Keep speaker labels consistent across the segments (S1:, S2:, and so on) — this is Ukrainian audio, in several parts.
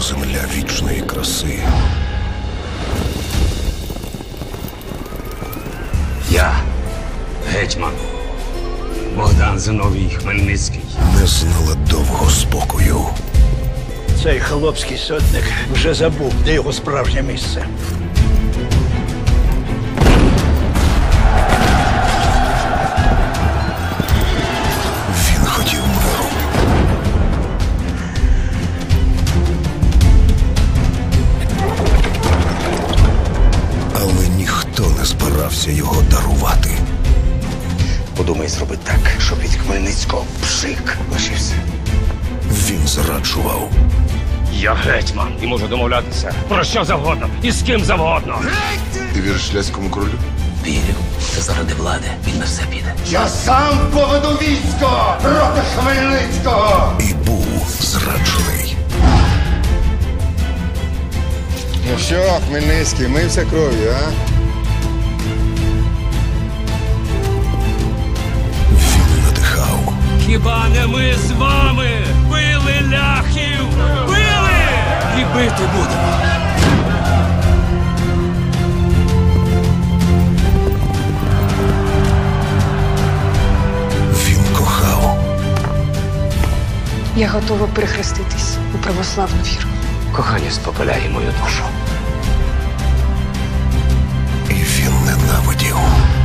S1: земля вічної краси.
S2: Я, гетьман Богдан Зиновій Хмельницький.
S1: Не знала довго спокою.
S3: Цей хлопський сотник вже забув, де його справжнє місце.
S1: Він хотів миру. Але ніхто не збирався його дарувати.
S2: Подумай зробити так, щоб від Хмельницького пшик лишився.
S1: Він зраджував.
S4: Я гетьман і можу домовлятися про що завгодно і з ким завгодно.
S5: Ти віриш ляському королю?
S6: Вірю, що заради влади він на все піде.
S7: Я сам поведу військо проти Хмельницького!
S1: І був зраджений.
S5: Ну що, Хмельницький, мився кров'ю, а?
S1: Він надихав.
S4: Хіба не ми з вами били ляхів? Били! І бити будемо.
S1: Він кохав.
S8: Я готова перехреститись у православну віру.
S4: Кохання спопиляє мою душу.
S1: І він ненавидів.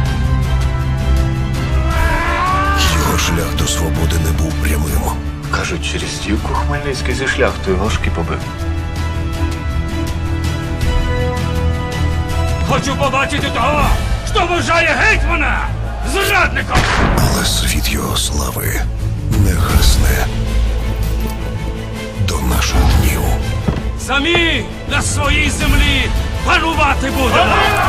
S1: Його шлях до свободи не був прямим.
S9: Кажуть, через стівку Хмельницький зі шляхтою ложки побив.
S4: Хочу побачити того, хто вважає гетьмана зрадником.
S1: Але світ його слави не гасне до наших днів.
S4: Самі на своїй землі панувати будемо.